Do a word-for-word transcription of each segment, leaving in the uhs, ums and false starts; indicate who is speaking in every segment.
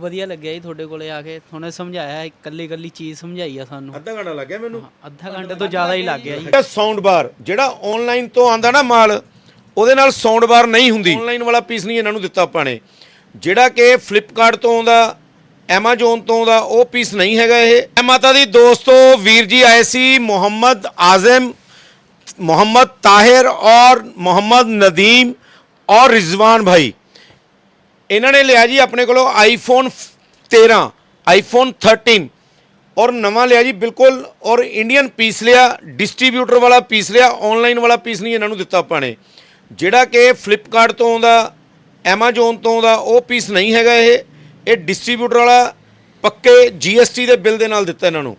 Speaker 1: ਵਧੀਆ ਲੱਗਿਆ ਜੀ ਤੁਹਾਡੇ ਕੋਲੇ ਆ ਕੇ। ਥੋਨੇ ਸਮਝਾਇਆ, ਇਕੱਲੀ ਇਕੱਲੀ ਚੀਜ਼ ਸਮਝਾਈ ਆ ਸਾਨੂੰ।
Speaker 2: ਅੱਧਾ ਘੰਟਾ ਲੱਗਿਆ ਮੈਨੂੰ।
Speaker 1: ਅੱਧਾ ਘੰਟੇ ਤੋਂ ਜ਼ਿਆਦਾ ਹੀ ਲੱਗ ਗਿਆ ਜੀ।
Speaker 2: ਸਾਊਂਡ ਬਾਰ ਜਿਹੜਾ ਆਨਲਾਈਨ ਤੋਂ ਆਂਦਾ ਨਾ ਮਾਲ, ਉਹਦੇ ਨਾਲ ਸਾਊਂਡ ਬਾਰ ਨਹੀਂ ਹੁੰਦੀ। ਆਨਲਾਈਨ ਵਾਲਾ ਪੀਸ ਨਹੀਂ ਇਹਨਾਂ ਨੂੰ ਦਿੱਤਾ ਆਪਾਂ ਨੇ। ਜਿਹੜਾ ਕਿ ਫਲਿੱਪਕਾਰਟ ਤੋਂ ਆਉਂਦਾ, ਐਮਾਜ਼ੋਨ ਤੋਂ ਆਉਂਦਾ, ਉਹ ਪੀਸ ਨਹੀਂ ਹੈਗਾ ਇਹ। ਮਾਤਾ ਦੀ ਦੋਸਤੋ, ਵੀਰ ਜੀ ਆਏ ਸੀ ਮੁਹੰਮਦ ਆਜ਼ਮ, मोहम्मद ताहिर और मोहम्मद नदीम और रिजवान भाई, इन्होंने लिया जी अपने को आईफोन तेरह, आईफोन थर्टीन और नवा लिया जी बिल्कुल, और इंडियन पीस लिया, डिस्ट्रीब्यूटर वाला पीस लिया, ऑनलाइन वाला पीस नहीं इन्होंने दिता अपने। जिहड़ा कि फ्लिपकार्ट तो आउंदा, एमाजोन तो आउंदा, वो पीस नहीं हैगा ये। ये डिस्ट्रीब्यूटर वाला पक्के जी एस टी के बिल के नाल दिता इन्होंने।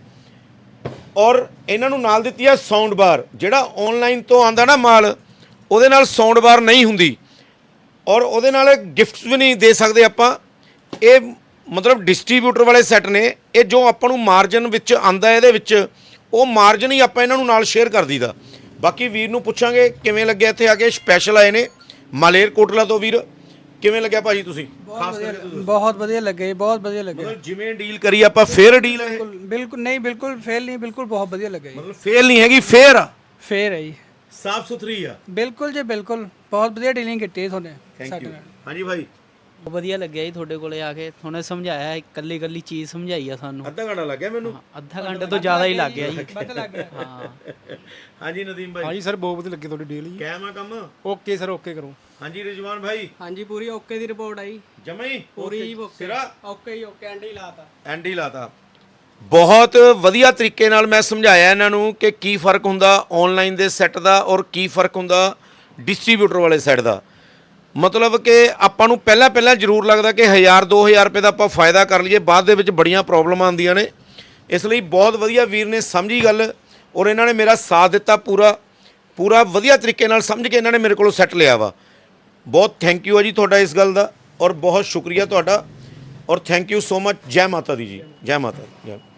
Speaker 2: और इन्हों नाल दित्ती है साउंड बार। जिहड़ा ऑनलाइन तो आंदा ना माल, ਉਹਦੇ ਨਾਲ साउंड बार नहीं हुंदी, और ਉਹਦੇ ਨਾਲ गिफ्ट्स भी नहीं दे सकते आपां। ਇਹ मतलब डिस्ट्रीब्यूटर वाले सैट ने, ये जो आपां नूं मार्जन विच आंदा ਇਹਦੇ ਵਿੱਚ, ਉਹ मार्जन ही आपां ਇਹਨਾਂ ਨੂੰ ਨਾਲ शेयर कर दीदा। बाकी वीर नूं पुछांगे किवें लग्गिया ਇੱਥੇ ਆ ਕੇ। स्पैशल आए ने मालेरकोटला तो। वीर किवें लग्गिया भाजी तुसीं?
Speaker 3: खास करके बहुत बढ़िया लगे, बहुत बढ़िया लगे।
Speaker 2: मतलब जिवें डील करी आपां फेयर डील है?
Speaker 3: बिल्कुल नहीं, बिल्कुल फेल नहीं, बिल्कुल बहुत बढ़िया लगे।
Speaker 2: मतलब फेल नहीं हैगी, फेयर आ,
Speaker 3: फेयर है जी,
Speaker 2: साफ सुथरी आ।
Speaker 3: बिल्कुल जी बिल्कुल, बहुत बढ़िया डीलिंग की है थोने।
Speaker 2: Thank you. हाँ जी भाई,
Speaker 1: ਵਧੀਆ ਲੱਗਿਆ ਜੀ ਤੁਹਾਡੇ ਕੋਲੇ ਆ ਕੇ। ਥੋਨੇ ਸਮਝਾਇਆ, ਇਕੱਲੀ ਇਕੱਲੀ ਚੀਜ਼ ਸਮਝਾਈ ਆ ਸਾਨੂੰ।
Speaker 2: ਅੱਧਾ ਘੰਟਾ ਲੱਗਿਆ ਮੈਨੂੰ।
Speaker 1: ਅੱਧਾ ਘੰਟੇ ਤੋਂ ਜ਼ਿਆਦਾ ਹੀ ਲੱਗ ਗਿਆ ਜੀ।
Speaker 3: पता लग गया।
Speaker 1: ਹਾਂ
Speaker 2: ਹਾਂਜੀ ਨਦੀਮ ਭਾਈ।
Speaker 4: ਹਾਂਜੀ ਸਰ, ਬਹੁਤ ਵਧੀਆ ਲੱਗੀ ਤੁਹਾਡੀ ਡੀਲ ਜੀ।
Speaker 2: ਕਾਇਮ ਆ ਕੰਮ?
Speaker 4: ਓਕੇ ਸਰ, ਓਕੇ ਕਰੋ।
Speaker 2: ਹਾਂਜੀ ਰਿਜਵਾਨ ਭਾਈ।
Speaker 3: ਹਾਂਜੀ ਪੂਰੀ ਓਕੇ ਦੀ ਰਿਪੋਰਟ ਆਈ,
Speaker 2: ਜਮਾ ਹੀ
Speaker 3: ਪੂਰੀ ਓਕੇ।
Speaker 2: ਸਿਰਾ
Speaker 3: ਓਕੇ ਹੀ ਓਕੇ, ਐਂਡ ਹੀ ਲਾਤਾ।
Speaker 2: ਐਂਡ ਹੀ ਲਾਤਾ। ਬਹੁਤ ਵਧੀਆ ਤਰੀਕੇ ਨਾਲ ਮੈਂ ਸਮਝਾਇਆ ਇਹਨਾਂ ਨੂੰ ਕਿ ਕੀ ਫਰਕ ਹੁੰਦਾ ਆਨਲਾਈਨ ਦੇ ਸੈੱਟ ਦਾ ਔਰ ਕੀ ਫਰਕ ਹੁੰਦਾ ਡਿਸਟ੍ਰੀਬਿਊਟਰ ਵਾਲੇ ਸੈੱਟ ਦਾ। ਮਤਲਬ ਕਿ ਆਪਾਂ ਨੂੰ ਪਹਿਲਾਂ ਪਹਿਲਾਂ ਜ਼ਰੂਰ ਲੱਗਦਾ ਕਿ ਹਜ਼ਾਰ ਦੋ ਹਜ਼ਾਰ ਰੁਪਏ ਦਾ ਆਪਾਂ ਫਾਇਦਾ ਕਰ ਲਈਏ, ਬਾਅਦ ਦੇ ਵਿੱਚ ਬੜੀਆਂ ਪ੍ਰੋਬਲਮਾਂ ਆਉਂਦੀਆਂ ਨੇ। ਇਸ ਲਈ ਬਹੁਤ ਵਧੀਆ ਵੀਰ ਨੇ ਸਮਝੀ ਗੱਲ, ਔਰ ਇਹਨਾਂ ਨੇ ਮੇਰਾ ਸਾਥ ਦਿੱਤਾ ਪੂਰਾ ਪੂਰਾ ਵਧੀਆ ਤਰੀਕੇ ਨਾਲ ਸਮਝ ਕੇ ਇਹਨਾਂ ਨੇ ਮੇਰੇ ਕੋਲੋਂ ਸੈੱਟ ਲਿਆ ਵਾ। ਬਹੁਤ ਥੈਂਕ ਯੂ ਆ ਜੀ ਤੁਹਾਡਾ ਇਸ ਗੱਲ ਦਾ, ਔਰ ਬਹੁਤ ਸ਼ੁਕਰੀਆ ਤੁਹਾਡਾ, ਔਰ ਥੈਂਕ ਯੂ ਸੋ ਮਚ। ਜੈ ਮਾਤਾ ਦੀ ਜੀ, ਜੈ ਮਾਤਾ ਦੀ।